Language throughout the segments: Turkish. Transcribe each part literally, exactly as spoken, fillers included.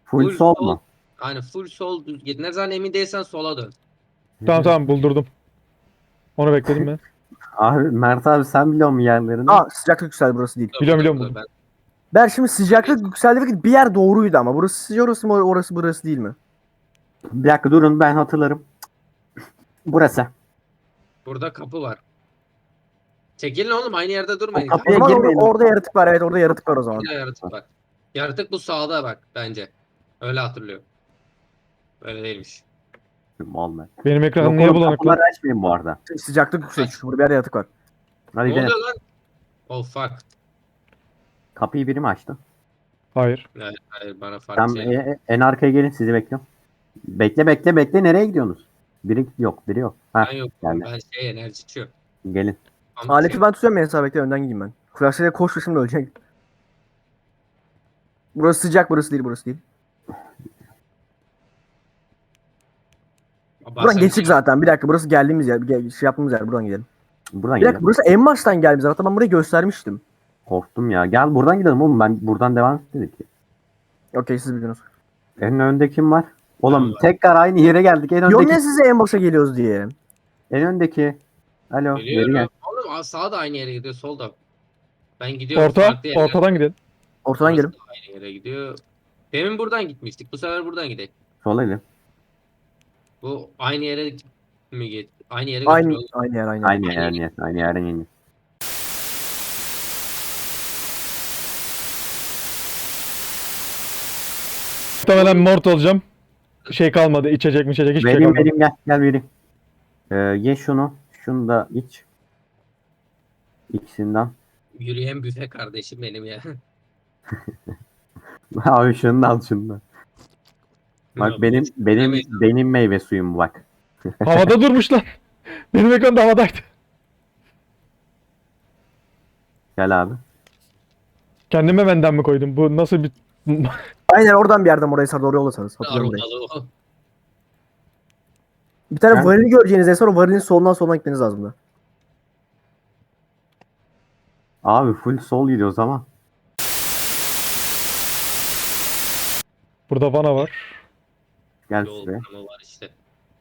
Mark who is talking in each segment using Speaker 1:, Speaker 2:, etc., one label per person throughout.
Speaker 1: Full
Speaker 2: Full
Speaker 1: sol
Speaker 2: sol.
Speaker 1: mu?
Speaker 2: Aynen full sol düz git. Ne zaman emin değilsen sola dön.
Speaker 3: Tamam tamam buldurdum. Onu bekledim ben.
Speaker 1: Abi Mert abi sen biliyor musun yerlerini?
Speaker 4: Aa sıcaklık yükseldi, burası değil.
Speaker 2: Dur,
Speaker 3: Biliyorum,
Speaker 2: burada,
Speaker 3: biliyorum
Speaker 2: burada.
Speaker 4: Ben şimdi sıcaklık yükseldi ve bir yer doğruydu ama burası sıcak, orası mı orası burası değil mi?
Speaker 1: Bir dakika durun ben hatırlarım. Burası.
Speaker 2: Ben, burada kapı var. Çekilin oğlum, aynı yerde durmayın.
Speaker 1: O kapı-
Speaker 4: O
Speaker 1: Buraya
Speaker 4: zaman orada,
Speaker 1: girmeyelim.
Speaker 4: orada yaratık var, evet orada yaratık var o zaman.
Speaker 2: Burada yaratık var. Yaratık bu sağda bak bence. Öyle hatırlıyorum. Öyle değilmiş.
Speaker 1: Mal ben.
Speaker 3: Benim ekranım
Speaker 1: Yok
Speaker 3: niye
Speaker 1: oğlum
Speaker 3: bulanık
Speaker 1: kapıları
Speaker 3: lan?
Speaker 1: açmayın bu arada.
Speaker 4: Sıcaklık yüksek çünkü burada bir yer yaratık var.
Speaker 1: Hadi
Speaker 2: Ne
Speaker 1: gidelim.
Speaker 2: oluyor lan? Oh fuck.
Speaker 1: Kapıyı biri mi açtı?
Speaker 3: Hayır.
Speaker 2: Hayır, hayır bana farklı
Speaker 1: Tam
Speaker 2: şey.
Speaker 1: e, en arkaya gelin sizi bekliyorum. Bekle bekle bekle nereye gidiyorsunuz? Biri yok biri yok. Ha
Speaker 2: Ben yok.
Speaker 1: geldi.
Speaker 2: Ben şey enerji içiyor.
Speaker 1: Gelin.
Speaker 2: Ama
Speaker 4: Aleti
Speaker 2: şey-
Speaker 4: ben tutuyorum, ben hesap bekle, önden gideyim ben. Flaşıyla koş, şimdi ölecek. Burası sıcak, burası değil, burası değil. Buradan
Speaker 2: Bazen
Speaker 4: geçtik
Speaker 2: şey-
Speaker 4: zaten. Bir dakika, burası geldiğimiz yer, bir gel- şey yaptığımız yer, buradan gidelim.
Speaker 1: Buradan
Speaker 4: Bir dakika,
Speaker 1: gidelim.
Speaker 4: burası en baştan geldiğimiz yer. Hatta ben burayı göstermiştim.
Speaker 1: Korktum ya. Gel buradan gidelim oğlum. Ben buradan devam etmedik ki.
Speaker 4: Okey, siz biliyorsunuz.
Speaker 1: En önde kim var? Oğlum
Speaker 2: Ben var.
Speaker 1: tekrar aynı yere geldik. En
Speaker 4: Diyorum
Speaker 1: öndeki.
Speaker 4: ya size en başa geliyoruz diye.
Speaker 1: En öndeki. Alo. Geri gel.
Speaker 2: Biliyorum. Oğlum aa, sağ da aynı yere gidiyor, sol da. Ben gidiyorum
Speaker 3: Orta.
Speaker 2: farklı yere.
Speaker 3: Ortadan gidelim.
Speaker 4: Ortadan
Speaker 2: Orası
Speaker 4: gelin.
Speaker 2: da aynı yere gidiyor. Demin buradan gitmiştik. Bu sefer buradan gidelim.
Speaker 1: Sola gidelim.
Speaker 2: Bu aynı yere mi git? Aynı yere
Speaker 4: Aynı,
Speaker 2: götürüyor.
Speaker 4: aynı yer, aynı yer.
Speaker 1: Aynı yer, aynı yer. Aynı yerden yeni.
Speaker 3: Muhtemelen mort olacağım. Şey kalmadı. İçecek mi içecek hiçbir şey
Speaker 1: Vereyim
Speaker 3: kalmadı.
Speaker 1: vereyim gel. Gel vereyim. Ee, ye şunu. Şunu da iç. İkisinden.
Speaker 2: Yürüyen büfe kardeşim benim ya.
Speaker 1: Abi şunu da al şunu da. Bak
Speaker 2: Ya,
Speaker 1: benim
Speaker 2: bu-
Speaker 1: benim
Speaker 2: Yemeyiz.
Speaker 1: benim meyve suyum bu bak.
Speaker 3: Havada durmuş lan. Benim ekran da havadaydı.
Speaker 1: Gel abi.
Speaker 3: Kendime benden mi koydum? Bu nasıl bir...
Speaker 4: Aynen oradan bir yerden oraya sarı doğru yollasanız. Hatırlıyorum burayı.
Speaker 2: Aromalı o.
Speaker 4: Bir tane
Speaker 1: Ben-
Speaker 4: varili göreceğiniz en sonra varilin solundan soluna gitmeniz lazım da.
Speaker 1: Abi full sol gidiyoruz ama.
Speaker 3: Burada vana var.
Speaker 1: Gel
Speaker 2: Yol
Speaker 1: şuraya.
Speaker 2: ama var işte.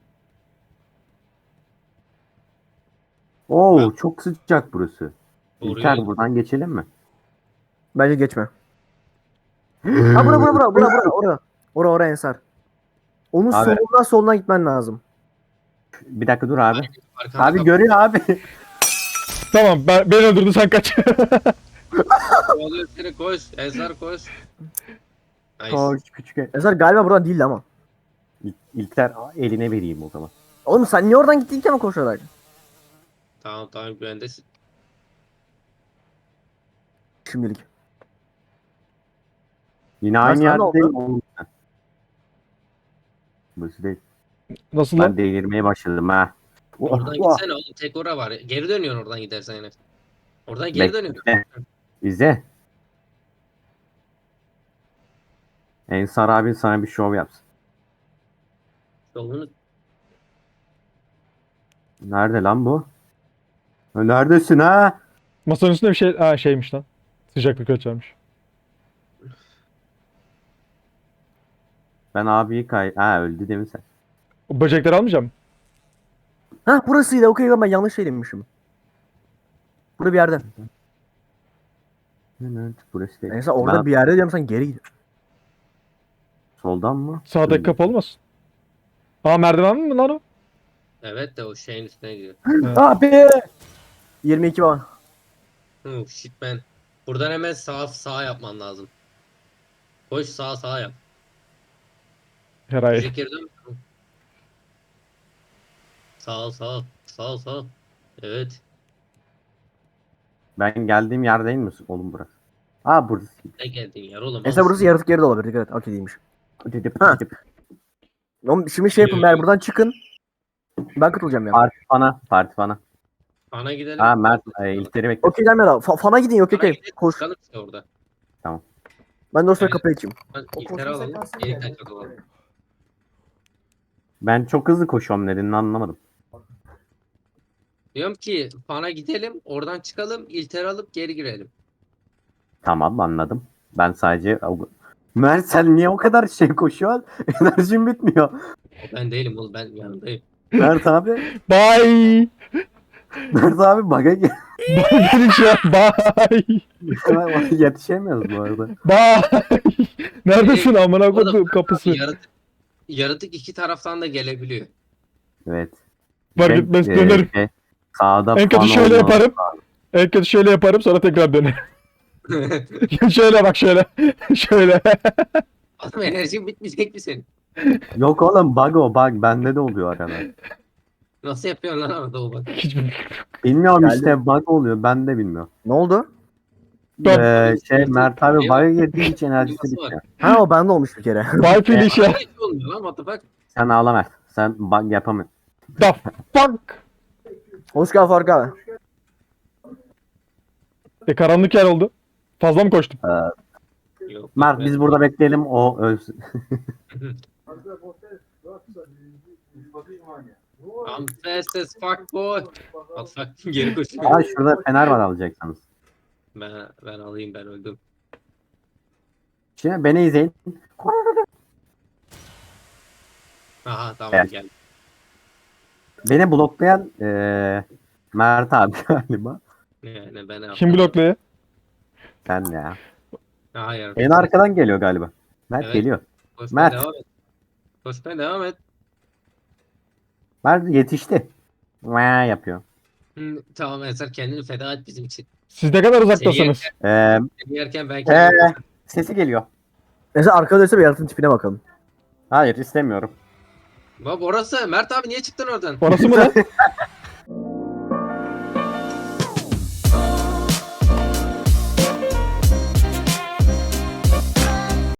Speaker 1: Oo çok sıcak burası.
Speaker 2: Doğru
Speaker 1: İlker
Speaker 2: yol.
Speaker 1: buradan geçelim mi?
Speaker 4: Bence geçme. Ha bura bura bura bura bura ora. Ora ora Ensar. Onun
Speaker 1: Abi.
Speaker 4: solundan soluna gitmen lazım.
Speaker 1: Bir dakika dur abi.
Speaker 2: Arkana
Speaker 1: Abi
Speaker 2: kap-
Speaker 1: görüyor abi.
Speaker 3: Tamam ben, beni öldürdü sen kaç.
Speaker 2: Kovalıyor seni, koş. Ensar koş. Nice.
Speaker 1: Koş küçük. el.
Speaker 4: Ensar galiba buradan değildi ama.
Speaker 1: İl- İlker eline vereyim o zaman.
Speaker 4: Oğlum sen niye oradan gittin ki ama koşarak?
Speaker 2: Tamam tamam güvendesin.
Speaker 4: Şimdilik.
Speaker 1: Yine
Speaker 4: Lan
Speaker 1: aynı
Speaker 4: sana
Speaker 1: yerde
Speaker 4: ne oldu?
Speaker 1: değil mi oğlum? Burası değil.
Speaker 3: Nasıl
Speaker 1: Ben
Speaker 3: lan?
Speaker 1: delirmeye başladım ha.
Speaker 2: Oradan
Speaker 1: Oh, oh.
Speaker 2: gitsene oğlum, tek ora var. Geri dönüyorsun oradan gidersen yine. Oradan geri dönüyorsun.
Speaker 1: Bekle. İzle. Ensar abin sana bir şov yapsın.
Speaker 2: Yolunu
Speaker 1: Nerede lan bu? Ha, neredesin ha?
Speaker 3: Masanın üstünde bir şey... Ha şeymiş lan. Sıcaklık ölçermiş.
Speaker 1: Ben abiyi kay... Ha öldü değil mi sen?
Speaker 3: O böcekleri almayacağım.
Speaker 4: Hah burasıydı, okey, ben yanlış şey demişim. Burada bir yerde.
Speaker 1: Evet burası değil.
Speaker 4: Ensar orada
Speaker 1: Ben-
Speaker 4: bir yerde diyorum, sen geri git.
Speaker 1: Soldan mı?
Speaker 3: Sağdaki kapı olmasın? Aa merdiven mi lan o?
Speaker 2: evet de o şeyin üstüne gidiyor.
Speaker 4: Abi. yirmi iki bana.
Speaker 2: Hı shit ben. Buradan hemen sağ sağ yapman lazım. Koş sağ sağ yap.
Speaker 3: Herhalde.
Speaker 2: Zekir'den sağ ol, sağ ol, sağ ol, sağ ol. Evet.
Speaker 1: Ben geldiğim yer değil mi oğlum burası? Aa burası.
Speaker 2: Ne geldin yer oğlum.
Speaker 4: Ensar burası yaratık yeri de olabilir, dikkat et. Okey değilmiş.
Speaker 1: Didip,
Speaker 4: Ha.
Speaker 1: didip.
Speaker 4: Oğlum şimdi şey yapın, ben buradan çıkın. Ben katılacağım ya.
Speaker 1: Parti bana. Parti bana.
Speaker 2: Ana gidelim.
Speaker 1: Ha Mert e, İlker'i bekle.
Speaker 4: Okey gelme lan. Fa- Fana gidin, okey
Speaker 2: Ana
Speaker 4: okey.
Speaker 2: gidelim.
Speaker 4: Koş.
Speaker 2: Çıkalım işte orada.
Speaker 4: Ben de o sırada
Speaker 2: Evet.
Speaker 4: kapıyı açayım.
Speaker 2: Ben
Speaker 4: O
Speaker 2: İlker
Speaker 4: koşma
Speaker 2: alalım.
Speaker 4: sekansını
Speaker 2: Yeni
Speaker 4: geldi.
Speaker 2: kaçak olalım.
Speaker 1: Ben çok hızlı koşuyorum nedenini anlamadım.
Speaker 2: Diyorum ki Fan'a gidelim. Oradan çıkalım. İlter alıp geri girelim.
Speaker 1: Tamam anladım. Ben sadece Mert sen niye o kadar şey koşuyorsun? Enerjin bitmiyor.
Speaker 2: O ben değilim oğlum, ben yanındayım.
Speaker 1: Mert abi,
Speaker 3: Bye.
Speaker 1: Mert abi bug'a gel.
Speaker 3: Bye dedik şu an. Bye.
Speaker 1: Yetişemiyoruz bu arada.
Speaker 3: Bye. Neredesin amına koyduğum
Speaker 2: Oğlum,
Speaker 3: kapısı?
Speaker 2: Yaratık, yaratık iki taraftan da gelebiliyor.
Speaker 1: Evet.
Speaker 3: Fark
Speaker 1: Şey,
Speaker 3: etmez,
Speaker 1: e,
Speaker 3: dönerim.
Speaker 1: şey, sağda
Speaker 3: En kötü
Speaker 1: fan
Speaker 3: şöyle
Speaker 1: olmalı.
Speaker 3: yaparım. En kötü şöyle yaparım sonra tekrar dönerim. Şöyle bak şöyle. Şöyle.
Speaker 2: Adam enerjin bitmeyecek mi senin?
Speaker 1: Yok oğlum bug o bug. Bende de oluyor arada.
Speaker 2: Nasıl yapıyorsun lan orada o bak.
Speaker 3: Hiçbir
Speaker 1: Bilmiyorum
Speaker 4: Geldi.
Speaker 1: işte bug oluyor. Ben de bilmiyorum.
Speaker 4: Ne oldu?
Speaker 3: Top.
Speaker 1: Ee, şey Mert abi
Speaker 2: Yok.
Speaker 1: bug'a girdiği için enerjisi
Speaker 2: Nasıl var?
Speaker 1: bitiyor.
Speaker 4: Ha o bende olmuş bir kere.
Speaker 3: Bye Felicia.
Speaker 2: Hiç olmuyor lan, what the fuck?
Speaker 1: Sen ağla Mert. Sen bug yapamıyorsun.
Speaker 3: The fuck.
Speaker 4: Hoş geldin Faruk abi.
Speaker 3: E karanlık yer oldu. Fazla mı koştum?
Speaker 2: Yok,
Speaker 1: Mert
Speaker 2: ben-
Speaker 1: biz burada bekleyelim o ölsün.
Speaker 2: I'm fast as fuck boy. What the fuck? Geri koşuyor.
Speaker 1: Aa şurada fener var alacaksanız.
Speaker 2: Ben, ben alayım, ben öldüm.
Speaker 1: Şimdi beni izleyin.
Speaker 2: Aha tamam,
Speaker 1: Evet.
Speaker 2: gel.
Speaker 1: Beni bloklayan ee, Mert abi galiba.
Speaker 2: Yani ben
Speaker 3: Kim blokluyor?
Speaker 1: Sen ya.
Speaker 2: Hayır.
Speaker 1: En arkadan geliyor galiba. Mert
Speaker 2: Evet.
Speaker 1: geliyor.
Speaker 2: Koşmaya
Speaker 1: Mert.
Speaker 2: devam et. Koşmaya devam et.
Speaker 1: Mert yetişti. Vaa yapıyor.
Speaker 2: Hı, tamam Ensar, kendini feda et bizim için.
Speaker 3: Siz ne kadar uzaktasınız?
Speaker 1: Ee,
Speaker 2: Seni yerken ben
Speaker 1: ee,
Speaker 2: kendimi...
Speaker 1: sesi geliyor.
Speaker 4: Mesela arkada dönse bir yaratığın tipine bakalım.
Speaker 1: Hayır istemiyorum.
Speaker 2: Bak orası. Mert abi niye çıktın oradan?
Speaker 3: Orası mı lan?